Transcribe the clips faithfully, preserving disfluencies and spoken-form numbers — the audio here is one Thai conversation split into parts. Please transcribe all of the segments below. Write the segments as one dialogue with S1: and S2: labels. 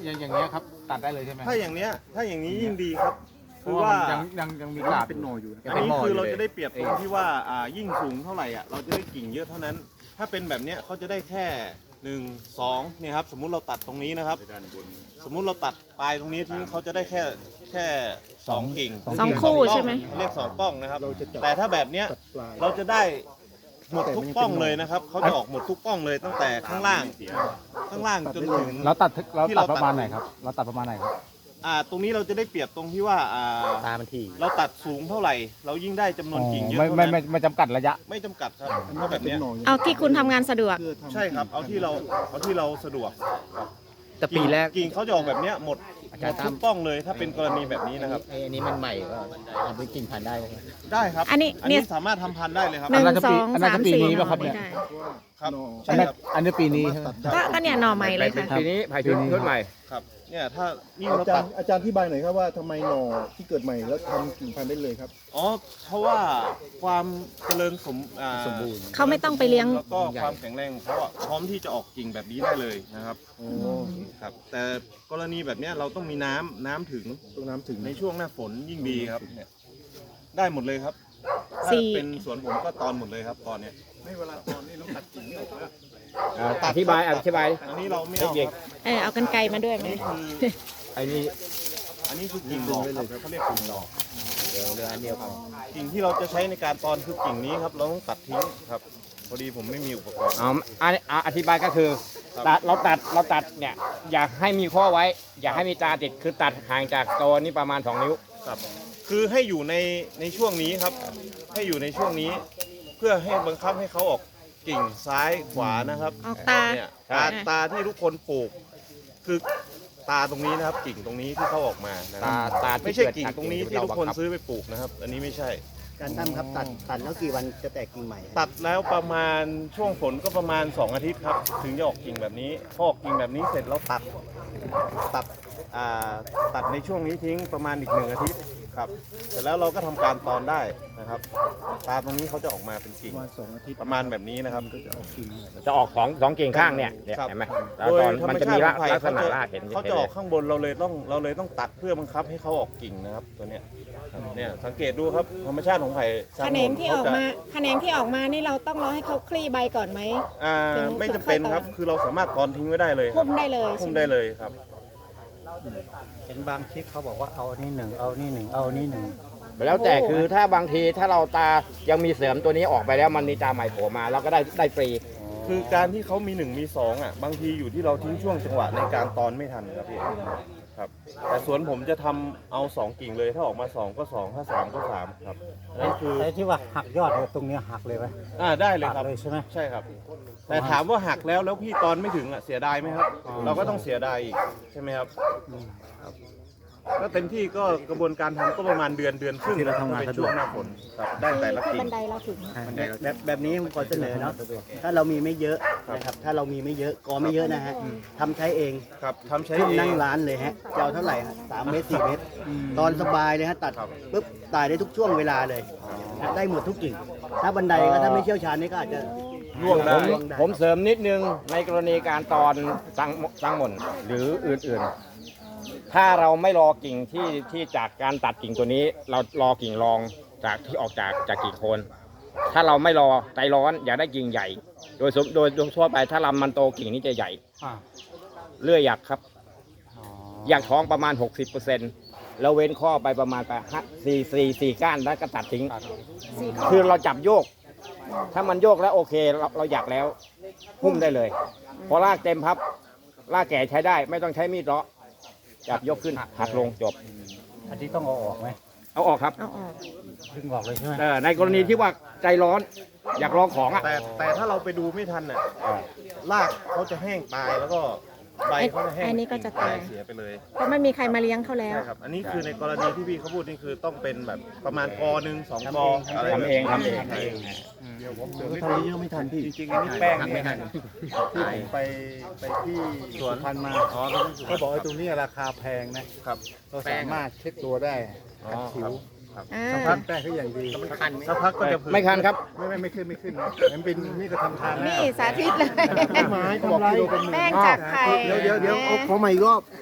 S1: อย่างอย่างเงี้ยครับตัดได้เลยใช่ไหม
S2: ถ้าอย่างเนี้ยถ้าอย่างนี้ยิ่งดีครับคือว่า
S1: ยังยังยังมีกาบเป็นหน่ออยู่
S2: อันนี้คือเราจะได้เปรียบตรงที่ว่าอ่ายิ่งสูงเท่าไหร่อ่ะเราจะได้กิ่งเยอะเท่านั้นถ้าเป็นแบบเนี้ยเขาจะได้แค่หนึ่งสองเนี่ยครับสมมุติเราตัดตรงนี้นะครับ สมมุติเราตัดปลายตรงนี้ทิ้งเขาจะได้แค่แค่สองกิ่ง
S3: สองคู่ใช่ไหม
S2: เรียกสองป้องนะครับแต่ถ้าแบบเนี้ยเราจะได้หมดทุกป้องเลยนะครับเขาจะออกหมดทุกป้องเลยตั้งแต่ข้างล่างข้างล่างจนถึง
S1: เราตัดเราตัดประมาณไหนครับเราตัดประมาณไหนครับ
S2: อ่าตรงนี้เราจะได้เปรียบตรงที่ว่าอ่า
S4: ตามันถี่
S2: เราตัดสูงเท่าไหร่ เรายิ่งได้จำนวนกิ่งเยอะ
S1: ไม่
S2: เท่า
S1: ไม่
S2: นั้น
S1: ไม่ไม่จำกัดระยะ
S2: ไม่จำกัดครับเพราะแบบเนี้ย
S3: เอาที่คุณทำงานสะดวก
S2: ใช่ครับเอาที่เราเอาที่เราสะดวก
S4: แต่ปีแรก
S2: กิ่งเขาจะออกแบบเนี้ยหมด
S4: อา
S2: ห
S4: จาม ร
S2: ด
S4: ย์ตา
S2: ทุ
S4: ม
S2: กป้องเลยถ้าเป็นกรณีแบบนี้นะครับ
S4: ไอ้อันนี้มันใหม่ก็เอาไปกิ่งพันธุ์ได้ไหม
S2: ได้ครับ
S3: อันนี้
S2: อัน
S3: เนี่
S2: นี้
S3: ย
S2: สามารถทำพันธุ์ได้เลยครับ
S3: หนึ่ง
S1: อันนั้นก็
S3: ส
S1: ปี
S3: อง
S1: อันนั้น
S3: สา
S1: ก็
S3: ม
S1: ปี
S3: สี่
S1: นี้
S3: หน่
S1: ป่ะครับ
S3: อ
S1: เนี่ย
S3: ได้
S2: ครับ
S1: อั
S2: ใช่
S1: นนั้น
S2: ครับ
S1: อันนี้ปีนี้ใช่ไหม
S3: ก็ก็เนี่ยหน่อใหม่เลยค่ะ
S4: ปีนี้ไผ่ชุดชุดใหม่
S2: ครับเนี่ยถ้ายิ่ง
S5: อา
S2: เรา
S5: จา
S2: ตั
S5: ร
S2: ด
S5: ย์อาจารย์ที่บายหน่อยครับว่าทำไมหน่อที่เกิดใหม่แล้วทำกิ่งพันธุ์ได้เลยครับ
S2: อ๋อเพราะว่าความเจริญสมอ่า
S4: สมบูรณ์
S3: เขาไม่ต้องไปเลี้ยง
S2: แล้วก็ความแข็งแรงของเขาอะพร้อมที่จะออกกิ่งแบบนี้ได้เลยนะครับครับแต่กรณีแบบเนี้ยเราต้องมีน้ำน้ำถึง
S5: ตรงน้ำถึง
S2: ในช่วงหน้าฝนยิ่งดีครับเนี่ยได้หมดเลยครับถ้า
S3: สี่
S2: เป็นสวนผมก็ตอนหมดเลยครับตอนเนี้ยไม่เวลาตอนนี้เราตัดกิ่งไม่ออกแล้ว
S4: อ่าอธิบายอธิบาย
S2: อันนี้เราไม่เอาครับ
S3: เออเอากันไกลมาด้วยไหม
S2: นี่คือ
S4: ไอ้นี่
S2: อันนี้คือกิ่งหลอกครับเขาเรียกกิ่งหลอก
S4: เดี๋ยวเรืออันเดียวพอ
S2: กิ่งที่เราจะใช้ในการตอนคือกิ่งนี้ครับเราต้องตัดทิ้งครับพอดีผมไม่มีอุปกรณ์
S4: เอาอันอ่าอธิบายก็คือ
S2: ครับ
S4: ตัดเราตัดเราตัดเนี่ยอยากให้มีข้อไว้ อยากให้มีตาติดคือตัดห่างจากตัวนี้ประมาณสองนิ้ว
S2: ครับคือให้อยู่ในในช่วงนี้ครับ ให้อยู่ในช่วงนี้ เพื่อให้บังคับให้เขาออกกิ่งซ้ายขวานะครับ
S3: ออกตา
S2: เนี่ยตาตาที่ทุกคนปลูก คือตาตรงนี้นะครับ กิ่งตรงนี้ที่เขาออกมานะค
S4: ตา
S2: รับ
S4: ตา
S2: ไม่
S4: ที่
S2: ใช่
S4: เกิด
S2: กิ่ง
S4: จาก
S2: ตรงนี้ที่
S4: เรา
S2: ทุกคน
S4: บังคับ
S2: ซื้อไปปลูกนะครับ อันนี้ไม่ใช่
S6: การตั้มครับตัดตัดแล้วกี่วันจะแตกกิ่งใหม่
S2: ตัดแล้วประมาณช่วงฝนก็ประมาณสองอาทิตย์ครับ ถึงจะออกกิ่งแบบนี้พอออกกิ่งแบบนี้เสร็จเราตัดตัดอ่าตัดในช่วงนี้ทิ้งประมาณอีกหนึ่งอาทิตย์ครับเสร็จแล้วเราก็ทำการตอนได้นะครับตาตรงนี้เขาจะออกมาเป็นกิ่ง
S5: ประมาณสองอาทิตย์
S2: ประมาณแบบนี้นะครับ
S5: ก็จะออกกิ่ง
S4: จะออกสองสองกิ่งข้างเนี่ยเนี่ย
S2: ครับ
S4: เห็นไหมแล้ว
S2: โดย
S4: ตอน
S2: ธรร
S4: มัน
S2: ม
S4: จะ
S2: ชา
S4: มี
S2: ติของไผ่
S4: ลักษ
S2: เขา
S4: ณะ
S2: จะ
S4: รากเห็น
S2: เขา
S4: เห็น
S2: จะ
S4: เล
S2: ออย กข้างบนเราเลยต้องเราเลยต้องตัดเพื่อบังคับให้เขาออกกิ่งนะครับตัวเนี้ยครับเนี่ยสังเกตดูครับธรรมชาติของไผ่
S3: แขนงที่ออกมาแขนงที่ออกมานี่เราต้องรอให้เขาคลี่ใบก่อนไหม
S2: อ่า
S3: ถึง
S2: ไม่จำเป็นครับ
S3: ค่อยตอน
S2: คือเราสามารถตอนทิ้งไว้ได้เลยครั
S3: พุ่
S2: บ
S3: มได้เลย
S2: พุ่ม
S3: ใช่ห
S2: ได้เลยครับ
S6: เห็นบางคลิปเขาบอกว่าเอานี่หนึ่งเอานี่หนึ่งเอานี่หนึ่ง
S4: แล้วแต่คือถ้าบางทีถ้าเราตายังมีเสริมตัวนี้ออกไปแล้วมันมีตาใหม่โผล่มาเราก็ได้ได้ฟรี
S2: คือการที่เขามีหนึ่งมีสองอ่ะบางทีอยู่ที่เราทิ้งช่วงจังหวะในการตอนไม่ทันครับพี่ครับแต่สวนผมจะทำเอาสองกิ่งเลยถ้าออกมาสองก็สองถ้าสามก็สามครับนั่นคือ
S6: ไอ้ที่ว่าหักยอดเนี่ยตรงเนี้ยหักเลยไหม
S2: อ่าได้เลยครับ
S6: ตัดเลยใช่ไหม
S2: ใช่ครับ แต่ถามว่าหักแล้วแล้วพี่ตอนไม่ถึงอ่ะเสียดายไหมครับ เราก็ต้องเสียดายอีกใช่ไหมครับครับก็เต็มที่ก็กระบวนการทำก็ประมาณเดือนเดือนครึ่ง
S6: ที่เราทำงาน
S2: เป็น
S6: สะด
S2: ช่
S6: ว
S2: ว
S6: ก
S2: งหน้าฝนครับได้แต่ละ
S3: ที่
S2: กิ่ง
S3: บันไดเราถึง
S6: แบบแบบนี้ผมขอเสนอเนาะถ้าเรามีไม่เยอะนะครับถ้าเรามีไม่เยอะกอไม่เยอะนะฮะทำใช้เอง
S2: ครับทำใช้
S6: ขึ้น
S2: เอง
S6: นั่งร้านเลยฮะจะเอาเท่าไหร่ฮะสามเมตรสี่เมตร ตอนสบายเลยฮะตัด
S2: ครับ
S6: ปุ๊บตายได้ทุกช่วงเวลาเลยนะได้หมดทุกกิ่ง ถ้าบันไดก็ถ้าไม่เชี่ยวชาญนี่ก็อาจจะ
S2: ร่วงได้
S4: ผมผมเสริมนิดนึงในกรณีการตอนสังสังหม่นหรืออื่นๆ ถ้าเราไม่รอกิ่งที่ที่จากการตัดกิ่งตัวนี้ เรารอกิ่งรองจากที่ออกจากจากกิ่งโคน ถ้าเราไม่รอใจร้อนอยากได้กิ่งใหญ่ โดยสมโดยโดยทั่วไปถ้าลำมันโตกิ่งนี้จะใหญ่เลื่อยหยักครับอยากท้องประมาณ หกสิบเปอร์เซ็นต์ แล้วเว้นข้อไปประมาณไปสี่สี่สี่ก้านแล้วก็ตัดทิ้ง คือเราจับโยก ถ้ามันโยกแล้วโอเคเราเราอยากแล้วหุ้มได้เลย พอรากเต็มพับรากแก่ใช้ได้ไม่ต้องใช้มีดเลาะจับยกขึ้นหักลงจบ
S6: อันนี้ต้องเอาออกไหม
S4: เอาออกครับ
S3: เอาออก
S6: ดึงออกเลยใช่ไหม
S4: เออในกรณีที่ว่าใจร้อนอยากลองของอ่ะ
S2: แต่แต่ถ้าเราไปดูไม่ทันน่ะรากเขาจะแห้งตายแล้วก็ใบเขาจะแห้ง
S3: อันนี้ก็จะตาย
S2: เสียไปเลย
S3: เพราะไม่มีใครมาเลี้ยงเขาแล้ว
S2: ใช่ครับ อันนี้คือในกรณีที่พี่เขาพูดนี่คือต้องเป็นแบบประมาณกอหนึ่งสองกออะไรแบบ
S4: ทำเองทำเอง
S2: ทำเอง
S5: ทำเยอะไม่ทันพี่
S2: จริงๆอันนี้แป้งไม่ทัน
S5: ที่ผมไปไปที่สวนพันธุ์มา
S2: อ๋อ
S5: เขาบอกไอ้ตรงนี้ราคาแพงนะครับ เราสามารถเช็ดตัวได้
S2: อ๋อ
S5: ขัดผิว
S3: อ่า
S5: สักพักแป้งเขาอย่างดี
S2: สักพักก็จะผึ
S4: ไม่คันครับ
S5: ไม่ไม่ไม่ขึ้นไม่ขึ้นนะมันเป็นนี่ก็ทำทานแล้ว
S3: นี่สาธิตเลย
S5: ไม้ทำไร
S3: แป้งจากไข่
S5: เดี๋ยวเดี๋ยวเดี๋ยวเอาขอใหม่อีกรอบ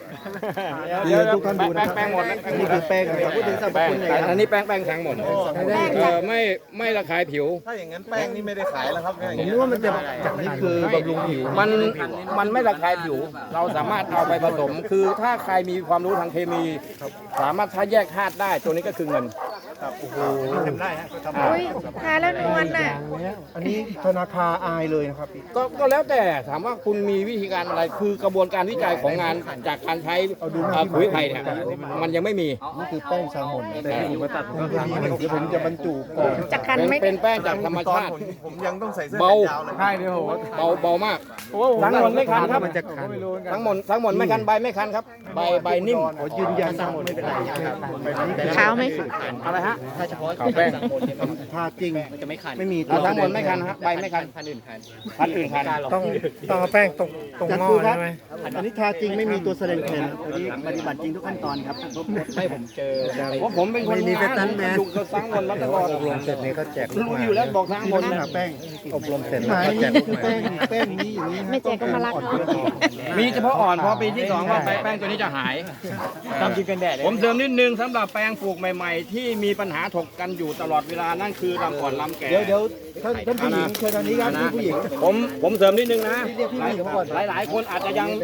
S4: เดี๋ยวทุกท่านดูนะแป้งหมดนะ
S6: นี่คือแป้งนะครับพูดถึงสรรพ
S4: แป้ง
S6: คุณเลย
S4: แต่
S6: ค
S4: อั
S6: รับ
S4: นนี้แป้งแป้งทั้งหมด
S3: แป้ง
S4: เอ
S3: จาก
S4: อไม่ไม่ระคายผิว
S2: ถ้าอย่างนั้นแป้งนี่ไม่ได้ขายแล้วครับเนี่ยอย่าง
S6: ผม
S2: เงี้
S6: นึ
S2: ย
S6: กว่ามันจะจากนี้คือบำรุงผิว
S4: มันมันไม่ระคายผิว เราสามารถเอาไปผสม คือถ้าใครมีความรู้ทางเคมี สามารถถ้าแยกธาตุได้ตัวนี้ก็คือเงิน
S5: ทำได้ฮะก็ทำ
S3: อุ้ยทาแล้วนวลน่ะ
S5: อันนี้ธนาคารอายเลยนะครับพี่
S4: ก็ก็แล้วแต่ถามว่าคุณมีวิธีการอะไร คือกระบวนการวิจัยของงานจากการใช้เอ่อปุ๋ยไผ่เนี่ยมันยังไม่มี
S5: นี่คือแป้งแซลมอนแต่ที่อยู่มาตัดผมก็มีเดี๋ยวผมจะบรรจุก่อน
S3: จะคัน
S4: เป็น
S3: ไหม
S4: เป็นแป้งจากธรรม
S2: ตอน
S4: ชาติ
S2: ผมผมยังต้องใส่เสื้อ
S4: เบา
S2: แขนยาวเลย
S1: ใช่เดี๋ยวโห
S4: เบาเบามาก ทั้งหมดไม่คันครับ
S5: มันจะคัน
S4: ทั้งหมดทั้งหมดไม่คันใบไม่คันครับ ใบใบนิ่ม
S5: ขอยืนยันทั้งหมดไม่เป็นไรครับ
S3: ขาวไหม
S4: อะไรฮะ
S6: ถ้าเฉพาะ
S4: ขาวแป้ง
S5: ถ้าจริง
S6: มันจะไม่คัน
S5: ไม่มีตั
S4: อ่ะ
S5: ว
S4: ทั้งหมดไม่คันฮะใบไม่คัน
S6: พันอื่นคัน
S4: พันอื่นคัน
S5: ต้องต้องเอาแป้งตรงตรงหม้อใช่ไหมอันนี้ทาจริงไม่มีตัวแสดงแทน
S6: อันนี้ปฏิบัติจริงทุกขั้นตอนครับให้ผมเจอ
S4: เพราะผมเป็นคน
S5: ไม่มี
S4: งาน
S5: สตันท์แมน
S4: ดูกระสังหมดมาตลอด
S5: อบรมเสร็จนี่ก็แจก
S4: รู้อยู่แล้วบอกทั้งหมด
S5: หาแป้งอบรมเสร็จแล้วก็แจกแป้งแป้งนี้อย่างนี้
S3: ไม่แจกก็มารักเนาะ
S4: มีเฉพาะอ่อนพอปีที่สองว่าแป้งตัวนี้จะหาย
S6: ทำจริงกันแดด
S4: ผมเสริมนิดนึงสำหรับแปลงปลูกใหม่ๆ ที่มีปัญหาถกกันอยู่ตลอดเวลานั่นคือลำก่อนลำแก่
S5: เดี๋ยวเดี๋ยวท่านท่านผู้หญิงเชิญทางนี้ครับท่านผู้หญิง
S4: ผมผมเสริมนิดนึงนะ
S5: เรียกพี่ผู้หญิงมาก่อน
S4: หลายๆ คนอาจจะยัง